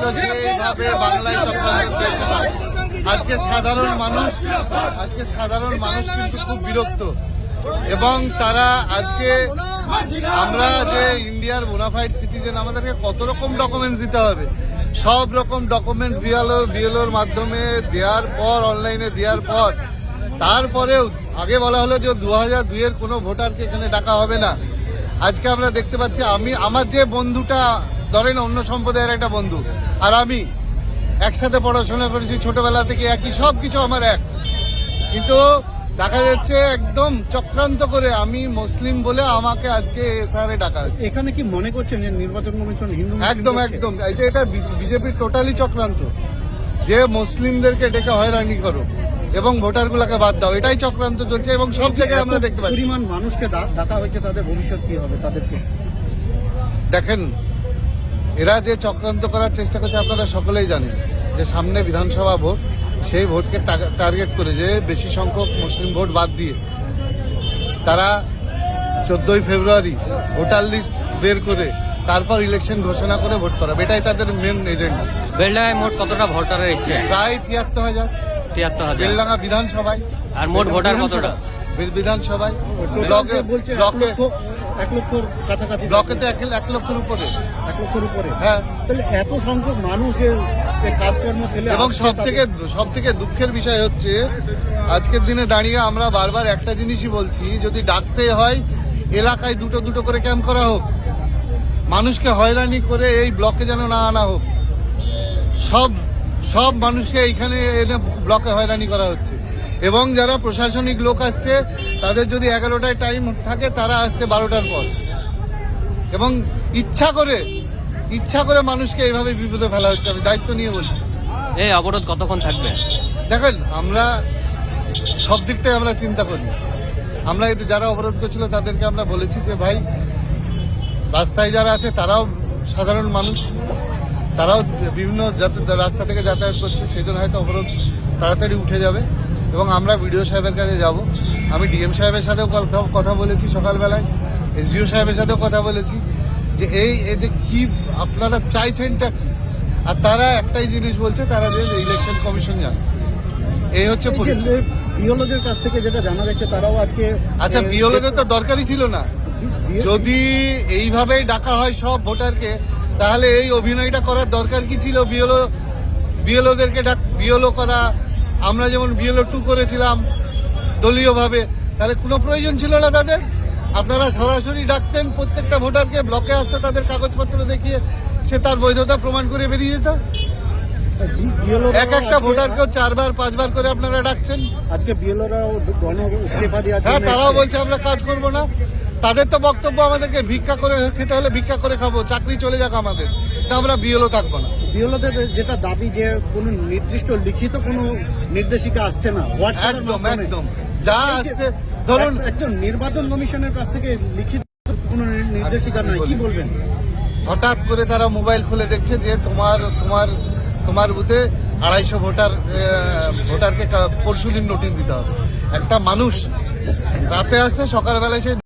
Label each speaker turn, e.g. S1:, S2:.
S1: চক্রান্ত যেভাবে বাংলায় চক্রান্ত চলছে না, আজকে সাধারণ মানুষ কিন্তু খুব বিরক্ত। এবং তারা আজকে আমরা যে ইন্ডিয়ার বোনাফাইড সিটিজেন, আমাদেরকে কত রকম ডকুমেন্টস দিতে হবে, সব রকম ডকুমেন্টস বিএলওর মাধ্যমে দেওয়ার পর, অনলাইনে দেওয়ার পর, তারপরেও আগে বলা হলো যে 2002-এর কোনো ভোটারকে এখানে ডাকা হবে না। আজকে আমরা দেখতে পাচ্ছি, আমার যে বন্ধুটা, ধরেন অন্য সম্প্রদায়ের একটা বন্ধু, আর আমি একসাথে পড়াশোনা করেছি ছোটবেলা থেকে, একই সব কিছু আমার এক, কিন্তু দেখা যাচ্ছে একদম চক্রান্ত করে আমি মুসলিম বলে আমাকে আজকে এসআরে ডাকা হচ্ছে।
S2: এখানে কি মনে করছেন যে নির্বাচন কমিশন হিন্দু?
S1: একদম এটা বিজেপির টোটালি চক্রান্ত, যে মুসলিমদেরকে ডেকে হয়রানি করো এবং ভোটারগুলোকে বাদ দাও, এটাই চক্রান্ত চলছে এবং সব জায়গায় আমরা দেখতে পাচ্ছি।
S2: পরিমাণ মানুষকে ডাকা হয়েছে, তাদের ভবিষ্যৎ কি হবে? তাদেরকে
S1: দেখেন, এরা যে চক্রান্ত করার চেষ্টা করছে আপনারা সকলেই জানেন যে সামনে বিধানসভা ভোট, সেই ভোটকে টার্গেট করে যে বেশি সংখ্যক মুসলিম ভোট বাদ দিয়ে তারা 14ই ফেব্রুয়ারি ভোটার লিস্ট বের করে তারপর ইলেকশন ঘোষণা করে ভোট করা, এটাই তাদের মেন এজেন্ডা।
S3: বেলডাঙ্গায় মোট কতটা ভোটার এসছে?
S1: প্রায় 73,000।
S3: 73,000।
S1: বেলডাঙ্গা বিধানসভায়।
S3: আর মোট ভোটার কতটা?
S1: বিধানসভায়
S2: ব্লকে 1 লক্ষর কাছাকাছি,
S1: ব্লকে তো 1 লক্ষের উপরে।
S2: 1 লক্ষের উপরে,
S1: হ্যাঁ।
S2: তাহলে এত সংখ্যক মানুষ যে কাজকর্ম ফেলে,
S1: এবং সব থেকে দুঃখের বিষয় হচ্ছে আজকের দিনে দাঁড়িয়ে আমরা বারবার একটা জিনিসই বলছি, যদি ডাকতে হয় এলাকায় দুটো করে ক্যাম্প করা হোক, মানুষকে হয়রানি করে এই ব্লকে যেন না আনা হোক। সব মানুষকে এইখানে এনে ব্লকে হয়রানি করা হচ্ছে। এবং যারা প্রশাসনিক লোক আসছে তাদের যদি 11টায় টাইম থাকে, তারা আসছে 12টার পর, এবং ইচ্ছা করে মানুষকে এইভাবে বিপদে ফেলা হচ্ছে। আমি দায়িত্ব নিয়ে বলছি।
S3: এই অবরোধ কতক্ষণ থাকবে?
S1: দেখেন, আমরা সব দিকটাই আমরা চিন্তা করি। আমরা এতে যারা অবরোধ করছিল তাদেরকে আমরা বলেছি যে ভাই, রাস্তায় যারা আছে তারাও সাধারণ মানুষ, তারাও বিভিন্ন রাস্তা থেকে যাতায়াত করছে, সেই জন্য হয়তো অবরোধ তাড়াতাড়ি উঠে যাবে। এবং আমরা বিডিও সাহেবের কাছে যাব। আমি ডিএম সাহেবের সাথেও কথা বলেছি সকালবেলায়, এসডিও সাহেবের সাথেও কথা বলেছি যে এই যে কি আপনারা চাইছেনটা কি। আর তারা একটাই জিনিস বলছে, তারা যে ইলেকশন কমিশন যান, এই হচ্ছে
S2: বিএলওদের কাছ থেকে যেটা জানা গেছে, তারাও আজকে
S1: আচ্ছা, বিএলওদের তো দরকারই ছিল না। যদি এইভাবেই ডাকা হয় সব ভোটারকে, তাহলে এই অভিনয়টা করার দরকার কি ছিল? বিএলওদেরকে বিএলও করা, আমরা যেমন বিএলও 2 করেছিলাম দলীয়ভাবে, তাহলে কোনো প্রয়োজন ছিল না তাদের। আপনারা সরাসরি ডাকতেন প্রত্যেকটা ভোটারকে, ব্লকে আসতে তাদের কাগজপত্র দেখিয়ে সে তার বৈধতা প্রমাণ করে বেরিয়ে যেত। একটা ভোটারকেও 4বার 5বার করে আপনারা ডাকছেন।
S2: আজকে বিএলওরাও ইস্তফা দেওয়ার,
S1: হ্যাঁ, তারাও বলছে আমরা কাজ করব না। তাদের তো বক্তব্য আমাদেরকে ভিক্ষা করে খেতে হলে ভিক্ষা করে খাবো, চাকরি চলে যাক আমাদের, তা আমরা বিএলও থাকবো না।
S2: বিএলওদের যেটা দাবি যে কোনো নির্দিষ্ট লিখিত কোনো নির্দেশিকা আসছে না,
S1: একদম যা আসছে, ধরুন
S2: একজন নির্বাচন কমিশনের কাছ থেকে লিখিত কোনো নির্দেশিকা নাই, কি বলবেন?
S1: হঠাৎ করে তারা মোবাইল খুলে দেখছে যে তোমার বুথে 250 ভোটারকে পরশুদিন নোটিশ দিতে হবে। একটা মানুষ রাতে আসে, সকালবেলায় সে